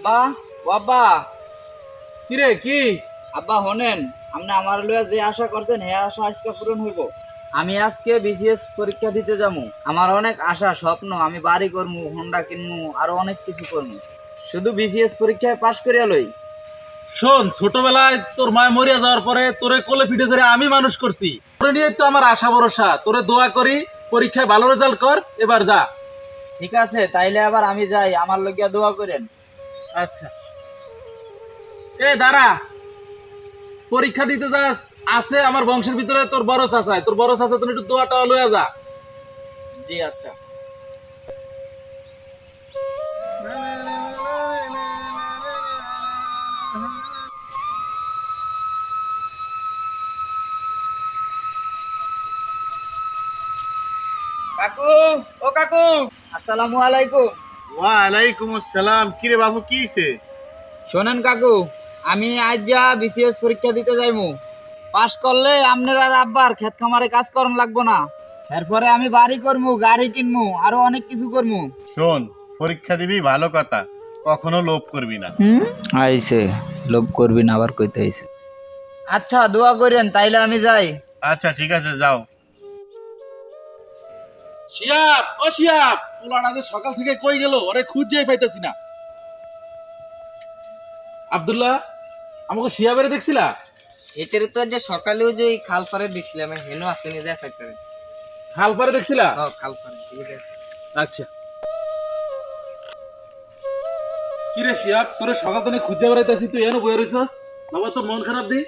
আব্বা, ও আব্বা, কি রে কি? আব্বা হনেন, আপনি আমার লইয়া যে আশা করছেন হে আশা আজকে পূরণ হইব। আমি আজকে বিসিএস পরীক্ষা দিতে যাবো। আমার অনেক আশা স্বপ্ন, আমি বাড়ি করবো, হোন্ডা কিনবো, আরো অনেক কিছু করবো। শুধু বিসিএস পরীক্ষায় পাশ করিয়া লই। শোন, ছোটবেলায় তোর মা মরিয়া যাওয়ার পরে তোরে কোলে পিঠে করে আমি মানুষ করছি। তোরে নিয়ে তো আমার আশা ভরসা। তোরে দোয়া করি, পরীক্ষায় ভালো রেজাল্ট কর, এবার যা। ঠিক আছে, তাইলে আবার আমি যাই, আমার লইয়া দোয়া করেন। আচ্ছা, এ দাঁড়া, পরীক্ষা দিতে যাস। আছে আমার বংশের ভিতরে তোর বড় চাচায়, তোর বড় চাচা তুমি একটু দোয়াটা লইয়া যা। জি আচ্ছা। কাকু, ও কাকু, আসসালামু আলাইকুম। ওয়ালাইকুম আসসালাম। কিরে বাবু, কি হইছে? শোনেন কাকু, আমি আজ যা বিসিএস পরীক্ষা দিতে যাইমু। পাশ করলে আপনার আর আব্বার ক্ষেত খামারে কাজ করন লাগবো না। এরপরে আমি বাড়ি করমু, গাড়ি কিনমু, আরো অনেক কিছু করমু। শোন, পরীক্ষা দিবি ভালো কথা, কখনো লোভ করবি না। আইছে, লোভ করবি না আবার কইতে আইছে। আচ্ছা, দোয়া করেন, তাইলে আমি যাই। আচ্ছা ঠিক আছে, যাও। শিয়াব, ও শিয়াব, পোলাটা যে সকাল থেকে কই গেল, ওরে খুঁজেই পাইতেছি না। আব্দুল্লাহ, আমাকে শিয়াবের দেখছিলা? এটারে তো যে সকালেও যে ওই খাল পারে দেখছিলাম হেনো আসেনি যায় সেক্টরে। হাল পারে দেখছিলা? খাল পারে ঠিক আছে। আচ্ছা, কি রে শিয়াব, তোরে সকাল থেকে খুঁজে বেড়াইতেছি, তুই এনে বয়ে রইছস? বাবা তোর মন খারাপ দি?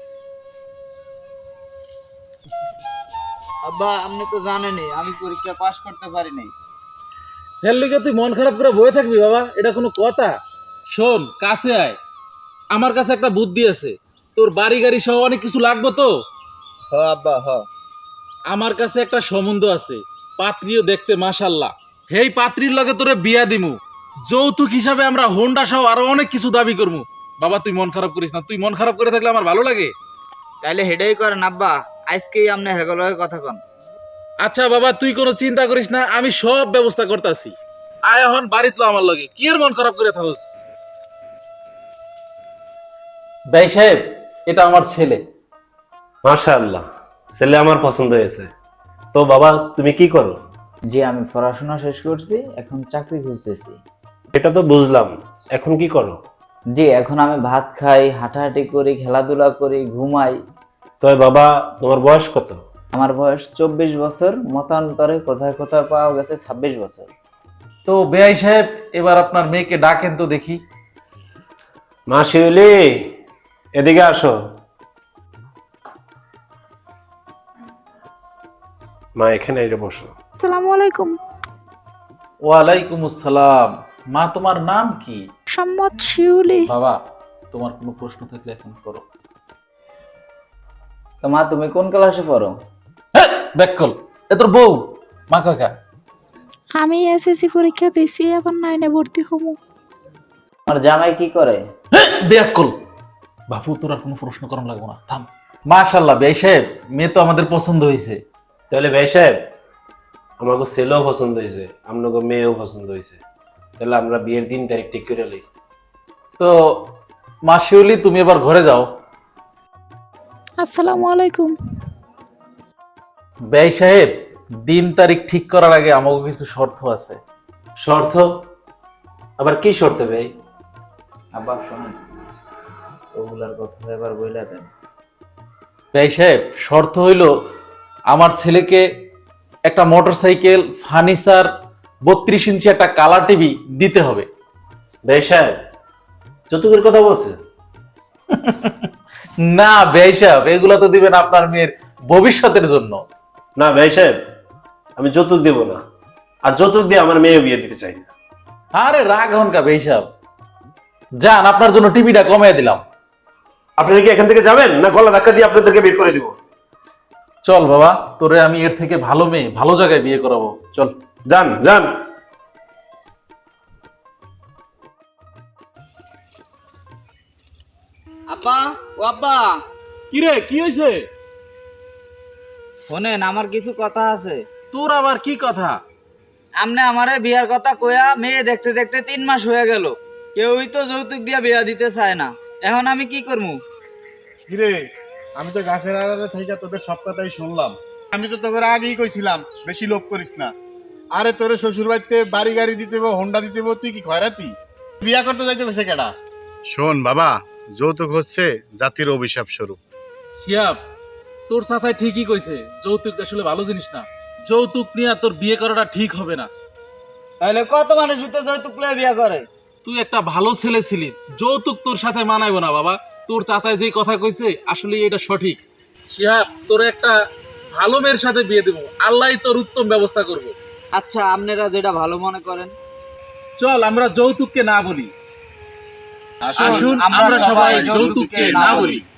আব্বা, আপনি তো জানেনই আমি পরীক্ষা পাশ করতে পারি নাই। হের লিগে তুই মন খারাপ করে বয়ে থাকবি বাবা? এটা কোনো কথা? শোন, কাছে আয়, আমার কাছে একটা বুদ্ধি আছে। তোর বাড়ি গাড়ি সহ অনেক কিছু লাগবে তো। হ আব্বা, হ। আমার কাছে একটা সম্বন্ধ আছে, পাত্রীও দেখতে মাশাল্লাহ। হেই পাত্রীর লগে তোরে বিয়া দিমু। যৌতুক হিসাবে আমরা হোন্ডা সহ আরো অনেক কিছু দাবি করবো। বাবা তুই মন খারাপ করিস না, তুই মন খারাপ করে থাকলে আমার ভালো লাগে। তাইলে হেডেই করেন আব্বা, আজকেই আপনি হেগলয়ে কথা কন। আচ্ছা বাবা, তুই কোনো চিন্তা করিস না, আমি সব ব্যবস্থা করতেছি। আয় এখন বাড়িত লো আমার লগে, কি এর মন খারাপ করে থাকস? ভাই সাহেব, এটা আমার ছেলে। মাশাআল্লাহ, ছেলে আমার পছন্দ হয়েছে। তো বাবা, তুমি কি করো? জি, আমি পড়াশোনা শেষ করছি, এখন চাকরি খুঁজতেছি। এটা তো বুঝলাম, এখন কি করো? জি, এখন আমি ভাত খাই, হাঁটাহাঁটি করি, খেলাধুলা করি, ঘুমাই। তবে বাবা, তোমার বয়স কত? আমার বয়স 24 বছর, মতান্তরে কোথায় কোথায় পাওয়া গেছে 26 বছর। তো বেআই সাহেব, এবার আপনার মেয়েকে ডাকেন তো দেখি। মা শিউলি, এদিকে আসো। মা এখানে এসে বসো। আসসালামু আলাইকুম। ওয়ালাইকুম আসসালাম। মা, তোমার নাম কি? সম্মত শিউলি। বাবা, তোমার কোনো প্রশ্ন থাকলে এখন করো। তো মা, তুমি কোন ক্লাসে পড়ো? ব্যাককল, এ তোর বউ। মা কাকা। আমি এসএসসি পরীক্ষা দিছি, এখন 9-এ ভর্তি হবো। আমার জামাই কি করে? ব্যাককল। বাপু, তোর আর কোনো প্রশ্ন করার লাগবে না, থাম। মাশাআল্লাহ বেআই সাহেব, মেয়ে তো আমাদের পছন্দ হয়েছে। তাহলে ভাই সাহেব, আমাকে ছেলেও পছন্দ হয়েছে, আপনাকে মেয়েও পছন্দ হয়েছে। তাহলে আমরা বিয়ের দিন তারিখ ঠিক করে লই। তো মা শিউলি, তুমি এবার ঘরে যাও। আসসালামু আলাইকুম। বেআই সাহেব, দিন তারিখ ঠিক করার আগে আমাকে কিছু শর্ত আছে। শর্ত? আবার কি শর্ত ভাই? আব্বা শোনেন, ওগুলার কথা এবার বইলা দেন। বেআই সাহেব, শর্ত হইল আমার ছেলেকে একটা মোটরসাইকেল, ফার্নিচার, 32 ইঞ্চি একটা কালার টিভি দিতে হবে। ভাই সাহেব, যৌতুকের কথা বলছে? না বেআই সাহেব, এগুলো তো দিবেন আপনার মেয়ের ভবিষ্যতের জন্য। না ভাই সাহেব, আমি যৌতুক দেব না, আর যৌতুক দিয়ে আমার মেয়ে বিয়ে দিতে চাই না। আরে রাগ হন কা বেআই সাহেব, যান, আপনার জন্য টিভিটা কমিয়ে দিলাম। আপনারা কি এখান থেকে যাবেন, না গলা ধাক্কা দিয়ে আপনাদেরকে বের করে দিব? চল বাবা, তোরে আমি এর থেকে ভালো মেয়ে ভালো জায়গায় বিয়ে করাবো, চল। যান যান। আব্বা, ও আব্বা, কি রে, কি হয়েছে? শোনেন, আমার কিছু কথা আছে। তোর আবার কি কথা? আপনি আমারে বিয়ার কথা কইয়া মেয়ে দেখতে দেখতে 3 মাস হয়ে গেল, কেউই তো যৌতুক দিয়ে বিয়া দিতে চায় না, এখন আমি কি করবো? কিরে, আমি তো গাছের আড়ালে থেকে তোদের সব কথাই শুনলাম। আমি তো তোকে আগেই কইছিলাম বেশি লোভ করিস না। আরে তোরে শ্বশুর বাড়িতে বাড়ি গাড়ি দিতে হবো, হোন্ডা দিতে হবো, তুই কি খয়রাতি? বিয়া করতে যাইতে বসে কেডা? শোন বাবা, যৌতুক হচ্ছে জাতির অভিশাপ স্বরূপ। শিয়াব, তোর চাচাই ঠিকই কইছে, যৌতুক আসলে ভালো জিনিস না। যৌতুক নিয়ে তোর বিয়ে করাটা ঠিক হবে না। তাহলে কত মানুষ তো যৌতুক লয়ে বিয়া করে? তুই একটা ভালো ছেলে ছিলি, যৌতুক তোর সাথে মানাইবো না বাবা। তোর চাচাই যে কথা কইছে আসলে এটা সঠিক। শিহাব, তোর একটা ভালো মেয়ের সাথে বিয়ে দেবো, আল্লাহই তোর উত্তম ব্যবস্থা করব। আচ্ছা, আপনারা যেটা ভালো মনে করেন। চল আমরা যৌতুককে না বলি। আসুন আমরা সবাই যৌতুককে না বলি।